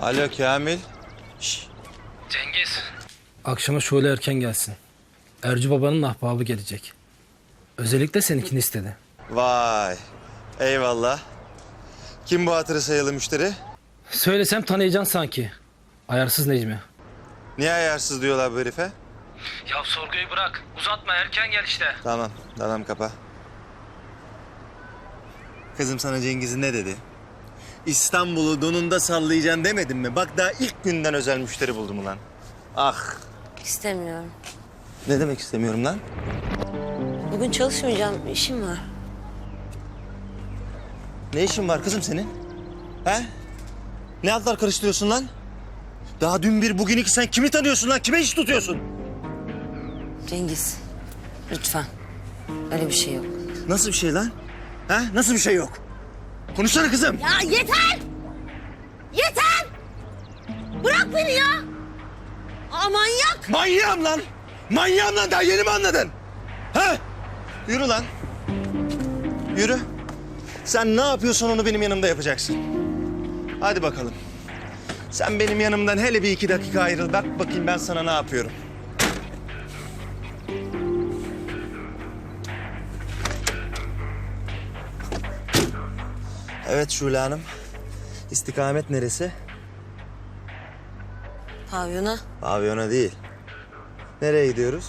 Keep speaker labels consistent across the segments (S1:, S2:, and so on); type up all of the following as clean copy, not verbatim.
S1: Alo Kamil.
S2: Cengiz.
S3: Akşama şöyle erken gelsin. Ercü babanın ahbabı gelecek. Özellikle seninkini istedi.
S1: Vay. Eyvallah. Kim bu hatırı sayılı müşteri?
S3: Söylesem tanıyacaksın sanki. Ayarsız Necmi.
S1: Niye ayarsız diyorlar bu herife?
S2: Ya sorguyu bırak. Uzatma, erken gel işte.
S1: Tamam kapa. Kızım sana Cengiz'in ne dedi? İstanbul'u donunda sallayacaksın demedim mi? Bak daha ilk günden özel müşteri buldum ulan. Ah.
S4: İstemiyorum.
S1: Ne demek istemiyorum lan?
S4: Bugün çalışmayacağım, işim var.
S1: Ne işin var kızım senin? He? Ne altlar karıştırıyorsun lan? Daha dün bir bugün iki sen kimi tanıyorsun lan? Kime iş tutuyorsun?
S4: Cengiz, lütfen. Öyle bir şey yok.
S1: Nasıl bir şey lan? Ha? Nasıl bir şey yok? Konuşsana kızım.
S4: Ya yeter! Yeter! Bırak beni ya! Aa, manyak!
S1: Manyağım lan! Manyağım lan, daha yeni mi anladın? Ha? Yürü lan. Yürü. Sen ne yapıyorsan onu benim yanımda yapacaksın. Hadi bakalım. Sen benim yanımdan hele bir 2 dakika ayrıl. Bak bakayım ben sana ne yapıyorum. Evet Şule Hanım. İstikamet neresi?
S4: Pavyona.
S1: Pavyona değil. Nereye gidiyoruz?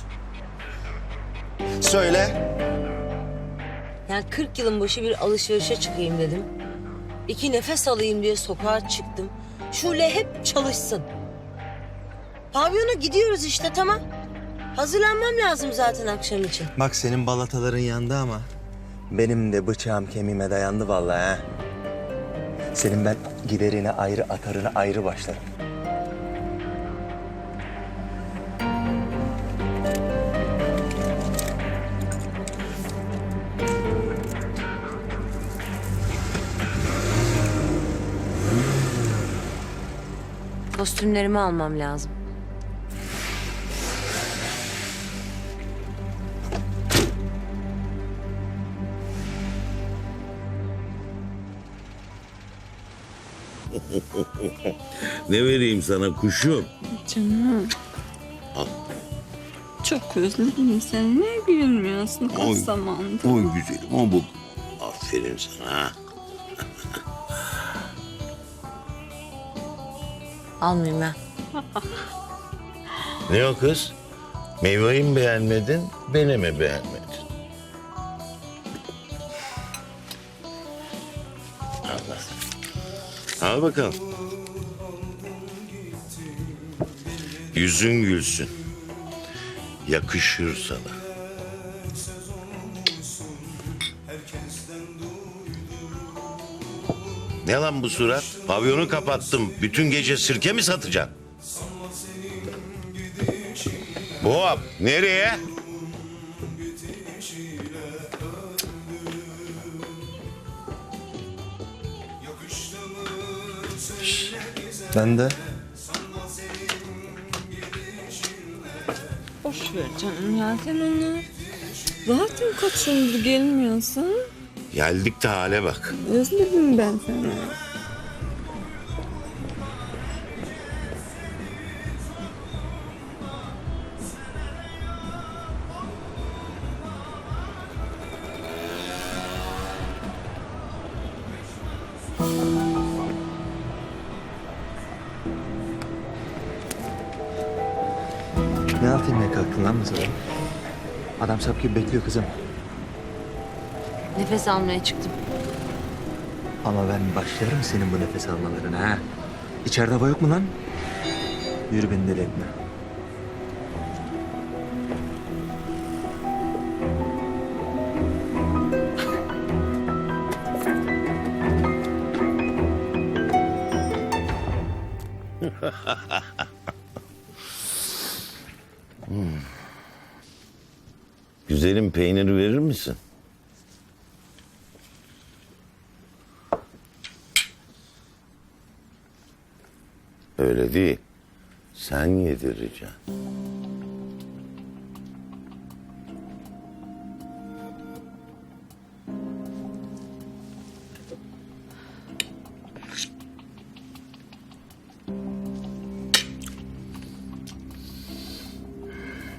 S1: Söyle.
S4: Yani 40 yılın başı bir alışverişe çıkayım dedim. 2 nefes alayım diye sokağa çıktım. Şule hep çalışsın. Pavyona gidiyoruz işte, tamam. Hazırlanmam lazım zaten akşam için.
S1: Bak senin balataların yandı ama benim de bıçağım kemiğime dayandı vallahi ha. Senin ben giderine ayrı, atarına ayrı başlarım.
S4: Kostümlerimi almam lazım.
S5: Ne vereyim sana kuşum?
S6: Canım.
S5: Al.
S6: Çok özledim seni. Niye gülmüyorsun kaç
S5: Oy.
S6: zamandır?
S5: Oy güzelim o bu. Aferin sana.
S4: Almayayım ben.
S5: Ne o kız? Meyveyi mi beğenmedin, beni mi beğenmedin? Al bakalım. Yüzün gülsün. Yakışır sana. Ne lan bu surat? Pavyonu kapattım. Bütün gece sirke mi satacaksın? Boğap, nereye?
S1: Ben de.
S6: Boş ver canım ya sen onu. Zaten kaç yıldır gelmiyorsun.
S5: Geldik de hale bak.
S6: Özledim ben seni.
S1: Ne altın ne kalktın lan masada? Adam sap gibi bekliyor kızım.
S4: Nefes almaya çıktım.
S1: Ama ben başlarım senin bu nefes almalarına ha. İçeride hava yok mu lan? Yürü beni deli etme.
S5: Güzelim peynir verir misin? Öyle değil. Sen yedireceksin.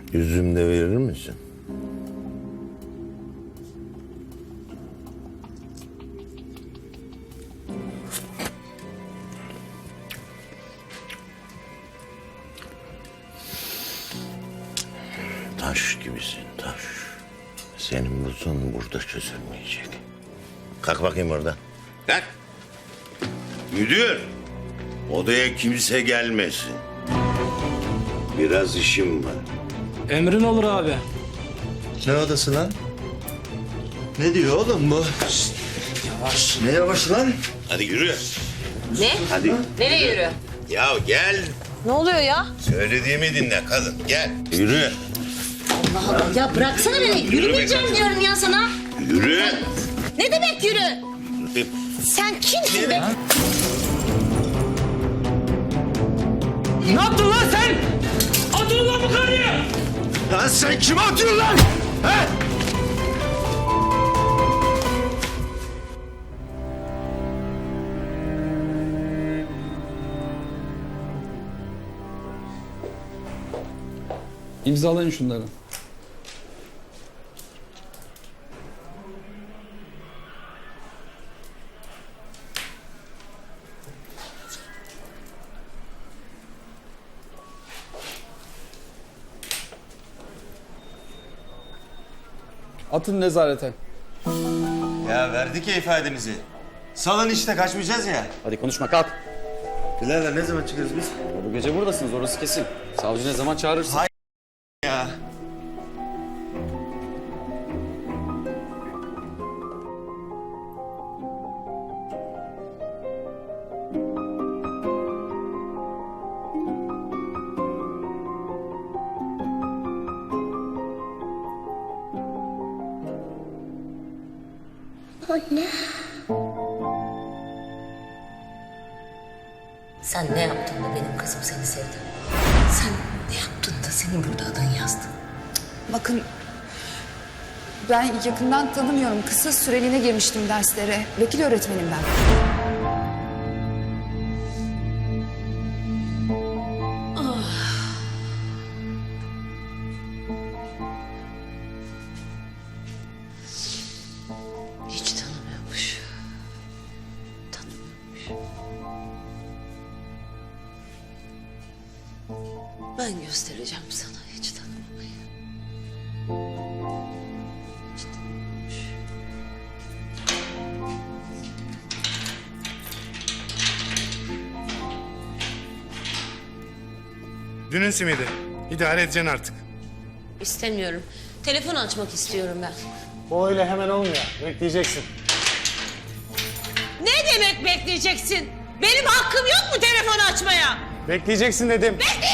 S5: Üzüm de verir misin? Taş gibisin taş. Senin bu sorun burada çözülmeyecek. Kalk bakayım oradan. Kalk. Müdür. Odaya kimse gelmesin. Biraz işim var.
S3: Emrin olur abi.
S1: Ne odası lan? Ne diyor oğlum bu? Şşt, yavaş. Ne yavaş lan?
S5: Hadi yürü.
S4: Ne?
S5: Hadi.
S4: Nereye yürü?
S5: Ya gel.
S4: Ne oluyor ya?
S5: Söylediğimi dinle kadın. Gel. Yürü.
S4: Allah Allah ya bıraksana beni. Yürümeyeceğim diyorum ya sana.
S5: Yürü.
S4: Ne demek yürü? Sen kimsin be?
S3: Ne yaptın lan sen? Atın lan bu karıyı!
S1: Lan sen kime atıyorsun lan? He?
S7: İmzalayın şunları. Atın nezarete.
S1: Ya verdik ya ifademizi. Salın işte kaçmayacağız ya.
S8: Hadi konuşma kalk.
S1: Birader ne zaman çıkıyoruz biz?
S8: Bu gece buradasınız orası kesin. Savcı ne zaman çağırırsa.
S1: Hay- Ya.
S4: Sen ne yaptın da benim kızım seni sevdi? Sen ne yaptın da senin burada adın yazdı?
S6: Bakın ben yakından tanımıyorum. Kısa süreliğine girmiştim derslere. Vekil öğretmenim ben.
S4: Hiç tanımıyormuş. Tanımıyormuş. Ben göstereceğim sana hiç tanımamayı. Hiç tanımıyormuş.
S9: Dünün simidi. İdare edeceksin artık.
S4: İstemiyorum. Telefon açmak istiyorum ben.
S10: O öyle hemen olmuyor. Bekleyeceksin.
S4: Ne demek bekleyeceksin? Benim hakkım yok mu telefon açmaya?
S10: Bekleyeceksin dedim.
S4: Bekleyeceksin!